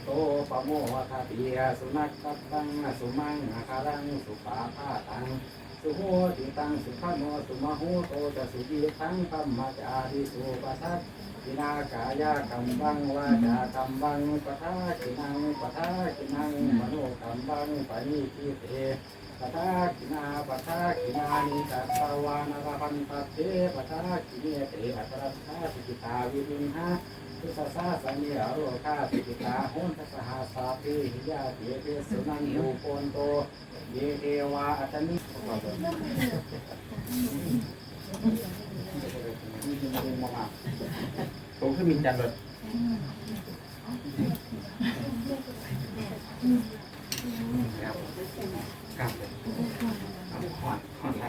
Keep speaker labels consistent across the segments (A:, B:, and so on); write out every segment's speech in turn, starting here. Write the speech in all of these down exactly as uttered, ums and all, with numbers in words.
A: โตปะโมทาติยสุนัขตังสุมังอาคารังสุปาพาตังสุโหติตังสุขโนสุมหูโตจะสุจีตังธัมมาจาริสุปัสสัตกินากายาคัมบังวาจาคัมบังปะทากินังปะทากินังมโนคัมบังปะนิทิเตปะทากินาปะทากินานิตัสสวานาพันตเตปะทากิเนเตอัตรัสสาสิกิตาวิรินหาทุสสาสัญญาโรคาสิกิตาหุนทัสหาสาภิหิยาเตเตสุนันโยโกนโตเยเทวาอัตนิผมขึ้นบินจันทร์เลยครับหอนหอนไร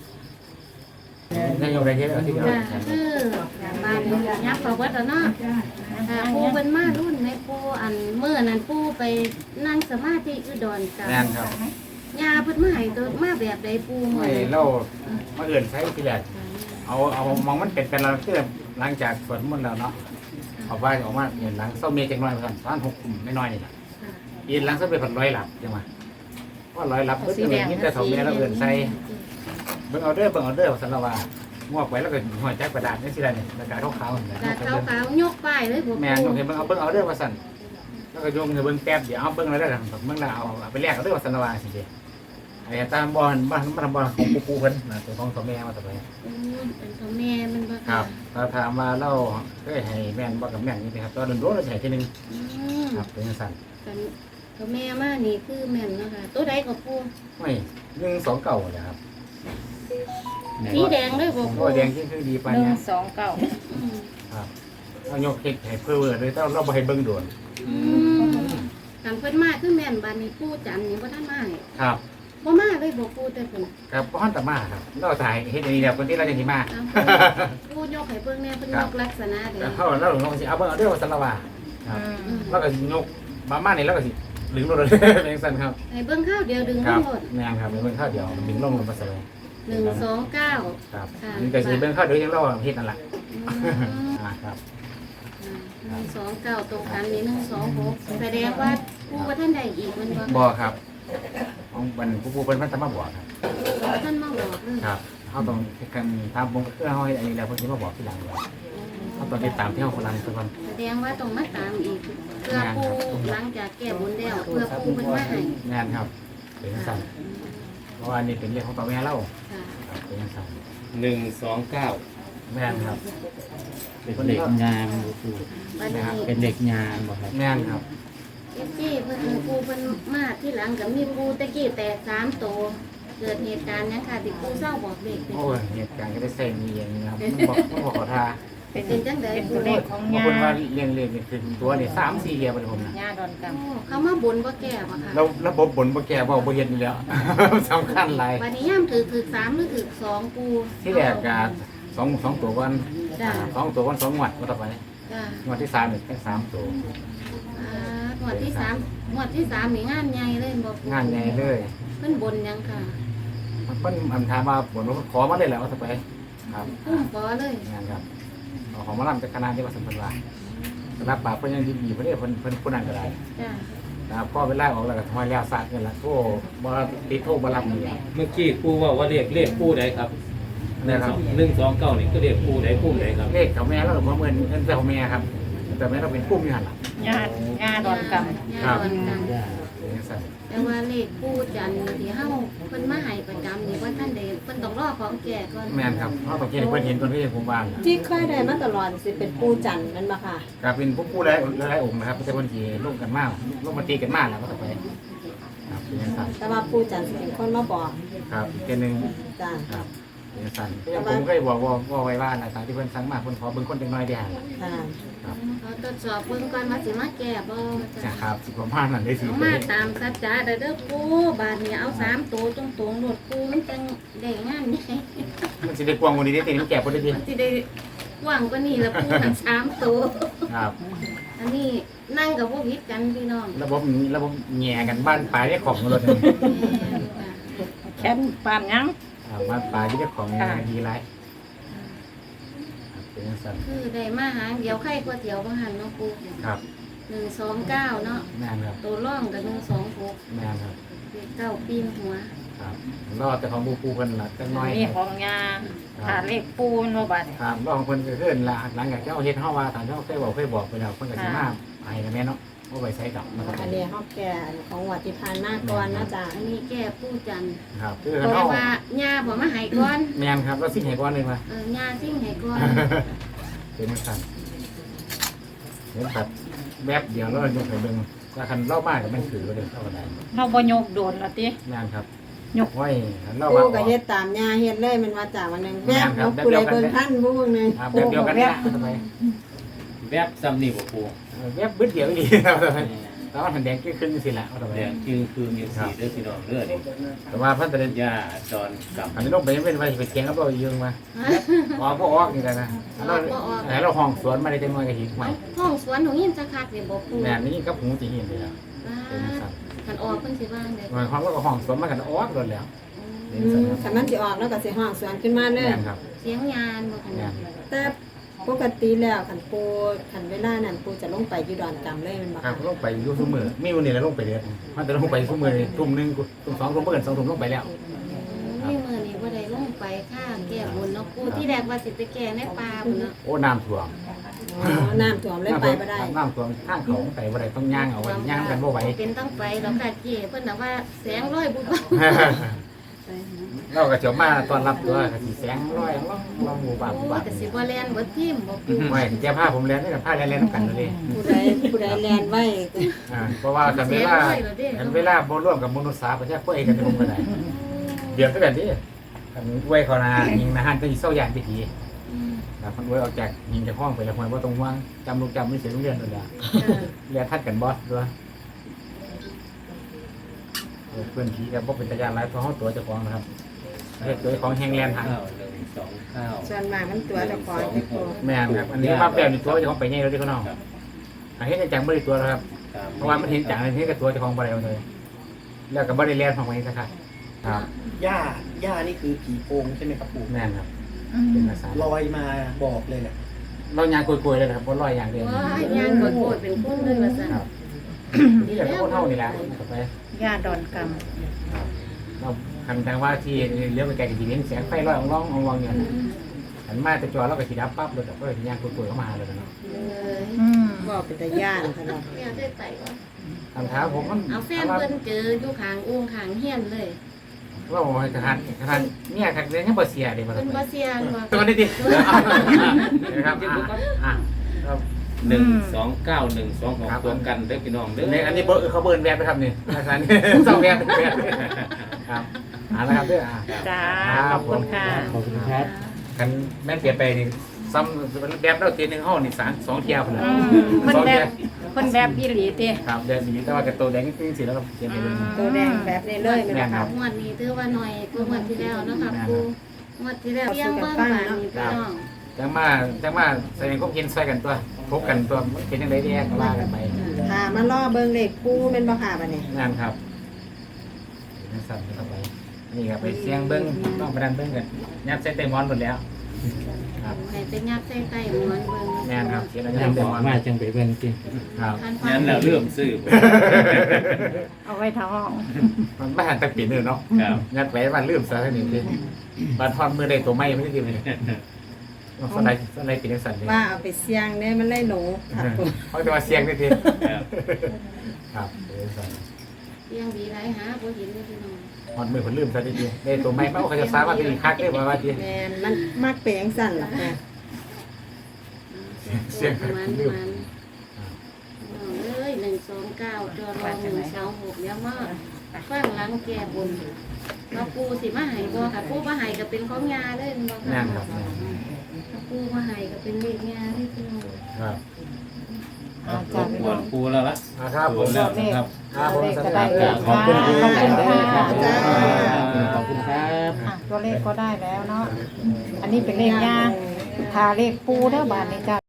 A: นั่นยังไงเยอะที่เดียว
B: คือบ้านยักษ์ประวัติเนาะปูเป็นมารุ่นในปูอันเมื่อนั้นปูไปนั่งสมาธิอุดรกับ
A: แน่นครับ
B: ยาเพิ่นมาให้ตัวมาแบบใดปู
A: ไม่เล่ามาเอื่นใช้ที่แรกเอาเอามองมันเป็นเป็นเราเพื่อหลังจากสวดมนต์แล้วเนาะเอาไปออกมาเห็นหลังเศร้าเมียจังน้อยกันท่านหกกลุ่มไม่น้อยนี่แหละยินหลังเศร้าเป็นผัดร้อยหลับจังมาว่าร้อยหลับเพื่อจะมีแต่สองเมียเราเอื่นใส่เบิ่งเอาเด้อเบิ่งเอาเด้อสันละว่ามั่วไปแล้วก็หัวใจกระดาษนี่สิไรเนี่ยกระดาษขาวๆเนี่ย
B: กาขาวขาวยกป้ายเลยปู
A: แม่ยกเห็นเบิ่งเอาเบิ่งเอาเด้อว่าสั่นแล้วก็โยงเบิ่งแป๊บเดี๋ยวเอาเบิ่งอะไรได้แบบเบิ่งแล้วเอาไปแลกเอาเด้อว่าสันละว่าสิเดียไอ้ตามบอลบ้านบ้านบอลของปูปูเพิ่นนะตัวของตัวแม่มาต่อไป
B: เป็นตัวแม่มันบ่
A: ครับถ้าถามว่าเราเคยให้แม่นบ่กับแม่นนี่นะครับตอนโดนเราใช้ทีนึงครับเป็นสั่น
B: กันตัวแม่มานี่คือแม่นเนาะค่ะตัวใดก็ปู
A: ไม่หนึ่งสองเก่าเลยครับ
B: สีแดงเลยบ่ปู
A: โอ้แดงที่คือดีปาน
C: หนึ่
A: นี้
C: งสองเก้า
A: ครับเอายกเค้กให้เพื่อเลยแต่เราบ่ให้เบิ่งด่วน
B: กันเพิ่นมาคือแม่นบ้านนี้ปูจันนี่บ่ทันมานี่
A: ครับ
B: บ่มาเลยบ่ปูแต่เพิ่น
A: ครับพ่อตามาครับเราถ่ายเฮ็ดอันนี้แล้วคนที่เราจะสิมา
B: ปูยกให้เบิ่งแน่เพิ่นยกลักษณะเด้
A: แล้วเขาเราลงสิเอาเบิ่งเอาเด้อว่าสันละว่าครับแล้วก็ยกมามานี่แล้วก็สิดึงลงเลยเป็นสั่นครับ
B: ให้เบิ่งข้าวเดียวดึง
A: ค
B: ทั้
A: รับ
B: งหมด
A: แม่นครับเป็นข้าวเดียวดึงลงลงมาใส่
B: หนึ่งสองเก้า
A: ครับนี่ก็สิเป็นข้าวเดียวยังเราเฮ็ดนั่นแหละอ่าครับ
B: หนึ่งสองเก้าตรงกันนี่หนึ่งสองหกแสดงว่าปูว่าท่านใดอีกมันบ่
A: บ่ครับของมันผู้ผู้เป็นพันธมาบอกครับ
B: ท่านมาบอกเลย
A: ครับเขาต้องกันตามวงเพื่อเขาอันนี้แล้วเพิ่นสิมาบอกทีหลังว่าเขาต้องติดตามที่เขาคนนั้นทุกคน
B: แสดงว่าต้องมาตามอีกเพื่อปูหลังจากแก้บุญแล้วเพื่อปูเพิ่นมาให้
A: งานครับเป็นสั่นเพราะว่านี่เป็นเรื่องของตัวแม่เล่า
B: ค่ะ
A: ครับเป็นสั่น
D: หนึ่งสองเก้า
A: แม่นครับ
D: เป็นเด็กงามดูดู
B: บัดนี้
D: เป็นเด็กงามบ่ครับ
A: แม่นครับ
B: เอฟซีเพิ่นปูเพิ่นมาที่หลังก็มีปูตะกี้แตกสามโตวเกิดเหตุการณ์หยังค่ะที่ปูเศร้าบอกเด็ก
A: โอ้ยเหตุการณ์ก็ได้เส้นมีอย่างนี้ครับบอกต้องบอกขอทา
C: เป็น
B: เป็นจังได๋
C: เป็น
B: ปู
C: ตัวเลขของ
A: บาง
C: ยา
A: คนว่าเลี้ยงเลี้ยงนี่คือตัวนี่สามสี่เฮียไปผมนะ
C: ยาดอนก
B: โอ้เขามาบนบ่แก้บ่ค่ะ
A: เราระบบบนบ่แก่บ่บ่เฮ็ดอยู่แล้ว สำคัญหลาย
B: วันนี้ย่ามถือถือสามหรือถือสองปู
A: ที่แรกก็สองสองตัววัน
B: จ้า
A: สองตัววันสองงวดมาต่อไป
B: จ้าง
A: วดที่สามเนี่ยแค่สามตัว
B: อ่าหมวดที่สามหมวดที่สามนี่งานใหญ่เลยบอก
A: งานใหญ่เลย
B: เพิ่นบนยังค่ะ
A: มันเป็นอันถามมาผลว่าขอมาได้แล้วว่าต่อไปครับ
B: พุ่มปอเลย
A: งานครับเอาของมาลำจากคณะที่ว่าสัมพันธ์ว่ารับปากเพิ่นยังดีดีเพิ่นเด้เพิ่นเพิ่นผู้นั้นก็ได้
B: จ้า
A: นะครับก็เวลาออกแล้วก็ทอยแล้วสาดกันละโทบ่ติดโทบ่รับนี่
D: เมื่อกี้ปูว่าว่าเรียกเลขปูใดครับห
A: นะ
D: นึ่ง
A: ค
D: ส
A: รับ
D: องหนึ่งสองเก้านี่ก็เรียกปูใดปูใดครับ
A: เลขเขาแม่เราบ่เหมือนเงินแต่ของแม่ครับแต่แม่เราเป็นกุ้มอยู่หั่นล่ะ
C: ำยายาดอนก
B: ยาดอนกัน
A: เป็นจังซั่น
B: แต่ว่าเลขปูจันทร์ที่เฮาเพิ่นมาให้ประจำนี่ว่าท่านใดเพิ่นต้องรอของแก่ก่อน
A: แม่นครับเฮาต้องเห็นเพิ่นเห็นคนที่ผมว่า
E: ที่เคยได้มาตลอดสิเป็นปูจันทร์นั่นบ่ค่ะ
A: ก็เป็นผู้ผู้หลายหลายองค์นะครับแต่เพิ่นสิร่วมกันมาร่วมมาตีกันมาแล้วก็ต่อไปครับเป็นจังซั่น
E: แต่ว่าปูจันทร์สิเป็นคนมาบอก
A: ครับอีกเทื่อนึง
E: จ้า
A: ครับเป็นจังซั่นก็ยังผมเคยบอกว่าว่าไว้ว่านะตามที่เพิ่นสั่งมาเพิ่นขอเบิ่งคนจังน้อยเดียว
E: ค่ะ
A: ครับ
B: เขาตรวจสอบเบิ่งก่อนว่าสิมาแก้บ่
A: นะ
B: จ้า
A: ครับสิประมาณนั้นได้สิ
B: เอามาตามสัจจะเด้อเด้อปูบาดนี้เอาสามตัวตรงๆโลดปูมันจังได้งานนี่
A: มันสิได้กว้างกว่านี้ได้ติมันแก่บ่ได้ดิ
B: มันสิได้กว้างกว่านี้ละปูทั้งสามตัว
A: ครับ
B: อันนี้นั่งกับพวกพิษกันพี่น้อง
A: ระบบนี้ระบบแง่กันบ้านปลายได้ของรถเลย
C: ำแค้นปานยัง
A: อ่าบ้านปลายที่ได้ของดีไรเป็นสั่น
B: คือได้มาหางเดียวไข่ก๋วยเตี๋ยวบางหันเนาะปู
A: ครับ
B: หนึ่งสองเก้าเนาะ
A: แม่นครับ
B: ตัวร่องกับหนึ่งสองหก
A: แม่นครับ
B: เลขเก้าปีนหัว
A: ครับรอแต่ของปูปูเพิ่นละจังน้อย
C: นี่ของยาถ้าเลขปูนบ่บัด
A: ครับรอของเพิ่นก็ขึ้นละหลังจากที่เอาเฮ็ดเฮาว่าตอนที่เฮาเคยบอกเคยบอกไปแล้วเพิ่นก็สิมาให้นะแม่เนาะบ่ไปใช้ดอกนะครับ
E: อันนี้เฮาแก่ของวัดที่ผ่านมาก่อนนะจ๊ะ
B: อันนี้แก้ผู้จันทร์
A: ครับคือ
B: เพ
A: เฮา
B: ราะว่าญาบ่มาให้ก่อน
A: แม่นครับเราสิให้ก่อนเลยมา
B: เออญาซิ่งให้ก่อน
A: เป็นจังซั่นเห็นครับแวบเดียวแล้วยกให้เบิ่งถ้าคันเล่ามากก็มันถือไว้เลยเท่าใด
C: เราบ่ยกโดนละติ
A: แม่นครับ
C: ยก
A: ไว้คันเล่า
E: ปู
A: ว่า
E: ก็เฮ็ดตามย่าเฮ็ดเลยมันว่าจ้ะวันหนึงแม่เอาผู้ใดเบิ่งทันผู้เบิ่งหนึง
A: ครับแบบเดียวกันเนี่ยทำไม
D: แวบซ้ำนี่บ่ปู
A: แวบบึ้ดเดียวอีกครับทำไมแล้วมันแดงก็ขึ้นสิละทำไม
D: แดงคือคือมีสีเด้อพี่น้องเด้อนี่
A: แต่ว่าพันตะเดน
D: ยาจอนกับ
A: อันนี้ต้องไปเป็นไปไปเทียงกับเรายืงมาออกก็ออกนี่แหละนะเราไหนเราห้องสวนมาได้จังหวะกะหิกใหม่
B: ห้องสวนหนูยินจะคักนี่บ่ปู
A: แบบนี้กับหูจีหินเลยครับ
B: ว้า
A: เป็นสั่น
B: คันออกเพิ่นสิว่างได้
A: หมายความว่าก็ห้องสวนมากันออกโดนแล้ว
E: อืมคันมันสิออกแล้วก็สิห้องสวนขึ้นมาเลย
A: แม่นครับ
B: เสียงยานบ่คัน
A: แม่น
E: แต่ปกติแล้วคันปูคันเวลานั้นปูจะลงไปอยู่ดอนกำเลยแมันบ่
A: ครั
E: คะ
A: บลงไปอยู่ทุ่มมือมีวันนี้แล้วลงไปเดือดมันจะลงไปทุ่มมือทุ่มหนึ่งทุ่มสองทุ่มเมื่อกันสองทุ่มลงไปแล้ว
B: นี่มื้อนี้บ่ได้ลงไปค่าแก้บนเนาะปูที่แรกว่าสิไปแก้ในป่าพุ่นเนาะ
A: โอ้น้ำท่วม
E: อ๋อน้ำท่วมเลยไปบ่ได้
A: น้ำท่วมข้างเขาไปบ่ได้ต้องย่างเอาไว้ย่างกันบ่ไหว
B: เป็นต้องไปดอกค่ะเจ้เพิ่นน่ะว่าแสงร้อยบุบ
A: เราก็จะมาตอนรับตัวกสิแสงร้อยลองลองหมู่บ้านหมู่
B: โอ้
A: บ้าน
B: ก็สิบ่แล่นบ่ทิ่มบ่ปู
A: ไม่แก้ผ้าผมเรียนนี่กับผ้าเรียนเรียนกันเลย
E: ผู้ใดผู้ใดแลนไว้
A: อ่าเพราะว่ากันเวลากันเวลาบ่ร่วมกับมนุษย์สาประชาชนเองกันผมก็ได้เดี๋ยวก็แบบนี้กันไว้เขานายิงนะฮันก็สิเศร้าอย่างพิธี
B: อืม
A: นะมันไว้ออกจากยิงจากห้องไปแล้วมันบ่ต้องห่วงจำลูกจำไม่เสียโรงเรียนนั่นแหละ
B: เออ
A: เรียนทัดกันบอสด้วยเพื่อนผีกับพวกเป็นตายานหลายเพราะเขาตัวเจ้าของนะครับเฮ็ดตัวของแฮงแลนด์หัน
D: ข้าวหนึ่งสองข้าว
E: ส่วนมากมันตัวเจ้าของที่ปู
A: แม่นครับอันนี้มาแปลนี่ตัวเจ้าของไปใหญ่แล้วที่เขาเนาะ
D: ครับ
A: อันนี้จังบ่ได้ตัวแล้วครับ
D: ครับ
A: เพราะว่ามันเห็นจังอันนี้กับตัวเจ้าของบ่ได้เอาเลยแล้วก็บ่ได้แล่นของมันสักครับครับ
F: ย่าย่านี่คือผีโพงใช่ไหมครับปู่
A: แม่นครับ
C: อืม
A: เป็นภาษา
F: ลอยมาบอกเลยแหละ
A: เรายางกลวยๆเลยนะครับบ่ลอยอย่างเดียว
B: ว้ายยานบ่โกรธเป็นคนเลยว่าซั่น
A: ครับนี่แหละคนเฮานี่แหละต่อไป
C: ยาดอนก
A: ครับเราคันทางว่าที่เลี้ยวไปไกลก็สิเห็นแสงไฟลอยอ่องๆอ่องๆอยู่
B: อืม
A: หันมาแต่จอแล้วก็สิดับปั๊บเลยก็สิยางกลวยๆเข้ามาเลยเนาะ
B: เอ้ย
C: ำอืม
E: บอกเป็นตาย่านตลอด
B: แม่ได้ไปว่า
A: คำถามผมมัน
B: เอาแฟนเพิ่นเจออยู่ข้างอุ้งข้างเฮียนเลย
A: ว่าโอ้ยทหารทหารเนี่ยครับเรียนยังบ่เสียเด้บ่
B: เพิ่นบ่เสียงว่า
A: ตัวนี้ดินะครับอ่ะครับ
D: หนึ่งสองเก้าหนึ่งสองหกตัวกันเด้อพี่น้องเด้อ
A: ในอันนี้เบอร์เขาเบิร์นแวบไปครับนี่อาจารย์สองแวบแวบครับอ่านะครับเด้ออ่า
C: จ้าขอบคุณค่ะ
D: ขอบคุณครับ
A: กันแม่นเปลี่ยนไปนี่ซ้ำแบบเราเทียนหนึ่งห้องนี่สามสองเที่ยวเลย
C: อืมเพิ่น
A: สอง
C: แบ
A: เที่ย
C: บ
A: ว
C: เพิ่นแบบอีหลีติ
A: ครับเดือนนี้แต่ว่ากับตัวแดงจริงๆสิแล้วก็เขียนไปเลย
E: ตัวแดงแบบนี้เลยแมันบ่คะ
B: งวดนี้ถือว่าหน่อยกว่างวดที่แล้วเนาะค่ะครูงวดที่แล้วเลี้ยงเบิ่งบ้านนี่พี่น้อง
A: จังมาจังมาแสดงความเห็นใส่กันตัวพบกันตัวมันเป็นยังไงแน่ก็ว่ากันไป
E: ค่ะมาล่อเบิ่งเลขปูแม่นบ่ค่ะบัดนี้
A: งานครับนั่นสั่นเข้าไปนี่ครับไปเสียงเบิ้งต้องไปดันเบิ้งกันยัดใส่เต็มมอนหมดแล้วครับ
B: ให้ไปยัดใส่ใต้หมอนเบิ่ง
A: แม่นครับเสียงอะไร
D: ยัง
A: เต็
D: บ
A: ม
D: อก
A: มอน
D: มาจังไปเบิ่งจริง
A: ครับ
B: คันฟั
D: งั้นแล้วเริ่มซื้อบ่
C: เอาไว้ท้อง
A: มันไม่หันตะปีนเลยเนาะ
D: ครับ
A: ยัดไว้บ้านลืมซะทีนี้ดิบ้านทอดมือได้ตัวไม่ไม่ได้ดีเลยสไลด์สไลด์ปีนสั่นเลย
E: ว่าเอาไปเสี่ยงเนี่ยมันเลยหนูค่ะปู
A: เขาจะมาเสียงได้ที
D: ครับ
A: ครับปีนสั่น
B: เลี้ยงดีหลายหาบ่เห็นเลยพี่น้อง
A: หอดมือคนลืมซะทีได้ตัวไม่เป้าเขาจะสามารถเป็นคักได้บ่ว่าที
E: แม่นมันมักเปลงสั่นล่ะแม่
B: เสียงประมาณประมาณเอ้ยหนึ่งสองเก้าจอรอหนึ่งสองหกแล้วมาฟังหลังแก่บนมาปูสิมาให้บ่ค่ะปูมาให้ก็เป็นของยาเลยบ่ค่ะ
A: นั่นครับ
B: ถ้าปูมาให้ก็เป็นเลขยาที่พี่น้อง
A: ครับ
D: เอารบกวนปูแล้วละ
A: ครับผม
D: แล้วนะครับ
A: ครับผม
C: ก็ได้
A: ค
C: เล
A: รับ
C: ข
A: ขอบคุณ
C: ขอบคุณ
A: ค
C: ค่ะ
A: รับ
D: ขอบคุณครับ
C: อ่ะตัวเลขก็ได้แล้วเนาะอันนี้เป็นเลขย่างทาเลขปูเด้อบาทนี้จ้า